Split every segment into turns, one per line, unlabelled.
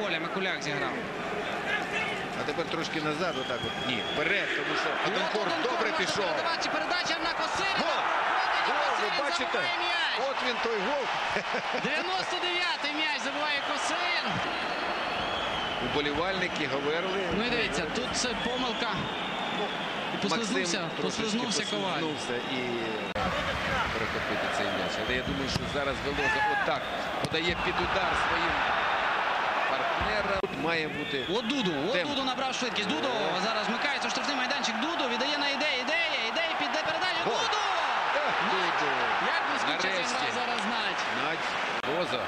поля. Микуляк зіграв.
А тепер трошки назад, отак от. Ні, вперед, тому що Оденкор добре пішов.
Передача на Косирина.
Гол! Гол, ви бачите? От він той гол.
99-й м'яч забиває Косирин.
Уболівальники говорили.
Ну і дивіться, тут це помилка. І послизнувся Коваль.
І перехопити цей м'яч. Але я думаю, що зараз Велоза отак подає під удар своїм партнерам. Тут має бути...
От Дуду набрав швидкість. Дуду зараз вмикається у штрафний майданчик. Дуду віддає на Ідея піде передача. Дуду!
Дуду!
Як блискуче зіграв зараз Надь.
Надь. Велоза,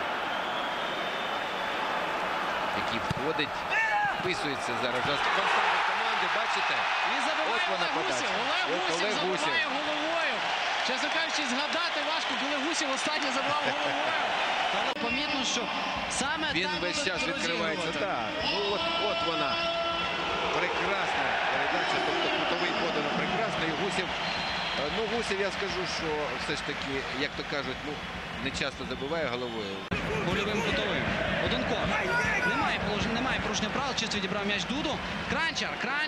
який входить, вписується зараз в останній команди, бачите?
І забиває Олег Гусєв. Олег Гусєв забиває головою. Чесно кажучи, згадати важко, коли Гусєв останній забивав головою. Але помітно, що саме
він
так
весь час
будуть
відкривається.
розігрувати.
Так. Ну от вона. Прекрасна передача, тобто крутовий подано прекрасно. І Гусєв, ну Гусєв, я скажу, що все ж таки, як то кажуть, ну не часто забиває головою.
Гольовим кутовим. Оденкор. Немає порушення правил. Чисто відібрав м'яч Дуду. Кранчар.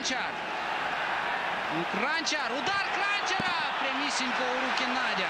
Удар Кранчара. Прямісінько у руки Надя.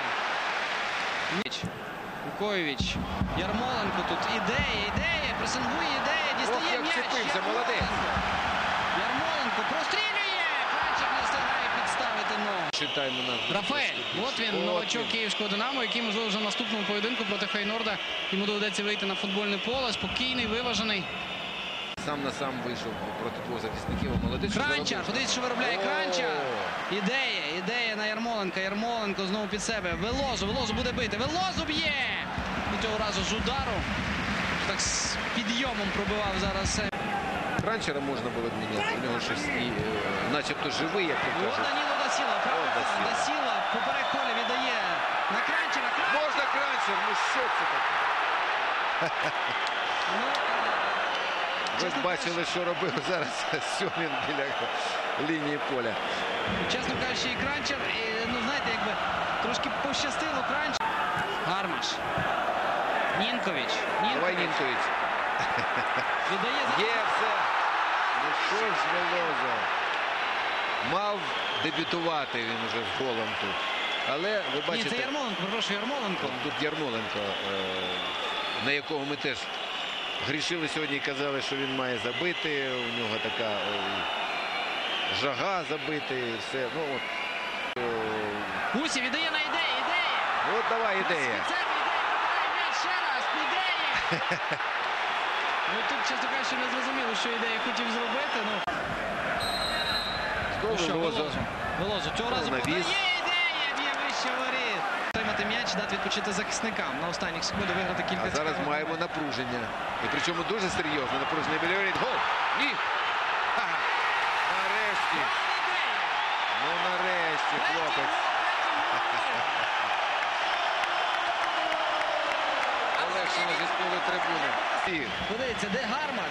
Вукоєвич. Ярмоленко тут. Ідея. Пресингує Ідея. Дістає м'яч.
Молодець.
Ярмоленко прострілює. Кранчар не встигає підставити ногу. Рафаель. От він, новачок Київського Динамо, який, можливо, вже в наступному поєдинку проти Фейнорда йому доведеться вийти на футбольне поле. Спокійний, виважений.
Сам на сам вийшов проти двох захисників. Молодець.
Кранчар. Подивіться, що виробляє Кранчар. Ідея на Ярмоленка. Ярмоленко знову під себе. Велозу буде бити. Велозу б'є! І цього разу з удару. Так з підйомом пробивав зараз.
Кранчара можна було б міняти. У нього щось начебто живий, як то кажуть.
Даніло Дасіла. Дасіла поперек поля віддає на Кранчара.
Можна Кранчар, ну що це таке? Ви ж бачили, що робив зараз Сьомін біля лінії поля.
Чесно кажучи, і Кранчар, ну знаєте, якби трошки пощастило Кранчар. Гармаш. Нінкович.
Давай Нінкович. Є все. Ну що ж Велоза. Мав дебютувати він уже з голом тут. Але ви бачите...
Ні, це Ярмоленко, прошу, Ярмоленко.
Тут Ярмоленко, на якого ми теж грішили сьогодні і казали, що він має забити. У нього така жага забити. Все. Ну, от.
Гусєв віддає на Ідея.
От давай Ідея.
Ідея ще раз. Ідея. Ну тут, чесно кажучи, не зрозуміло, що Ідея хотів зробити. Велозу. Цього разу подає Ідея. Б'є вище воріт. Отримати м'яч, дати відпочити захисникам. На останніх секундах виграти кілька.
А зараз маємо напруження. І причому дуже серйозне напруження біля воріт. Гол! Ні! Нарешті! Ну нарешті, хлопець. Олегшина зі споли трибуни.
Подивіться, де Гармаш?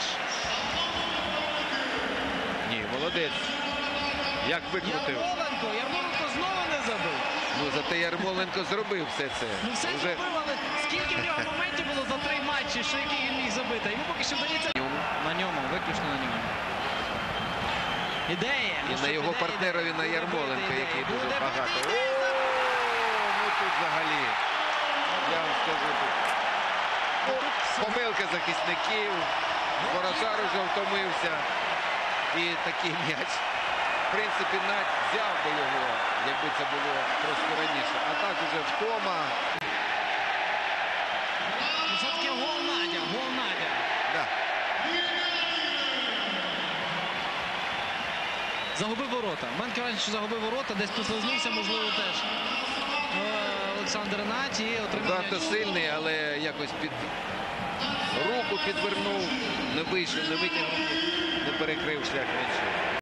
Ні, молодець. Як викрутив.
Ярмоленко знову не забив.
Ну, зате Ярмоленко зробив все це.
Ну все зробив, але скільки в нього моментів було за 3 матчі, що який він міг забити. Йому поки що вдається. На ньому, виключно на ньому. Ідея.
І на його партнерові, на Ярмоленко, який дуже багато. Ну тут взагалі, я вам скажу, тут помилка захисників, Воротар уже втомився. І такий м'яч. В принципі, Надь взяв би його, якби це було трошки раніше. А так уже втома.
Все-таки гол Надя.
Да.
Загубив ворота. Мене враження, що загубив ворота, десь послизнувся, можливо, теж Олександр Надь і отримав
Удар сильний, але якось під руку підвернув, не вийшов, не витягнув, не перекрив шлях м'яча.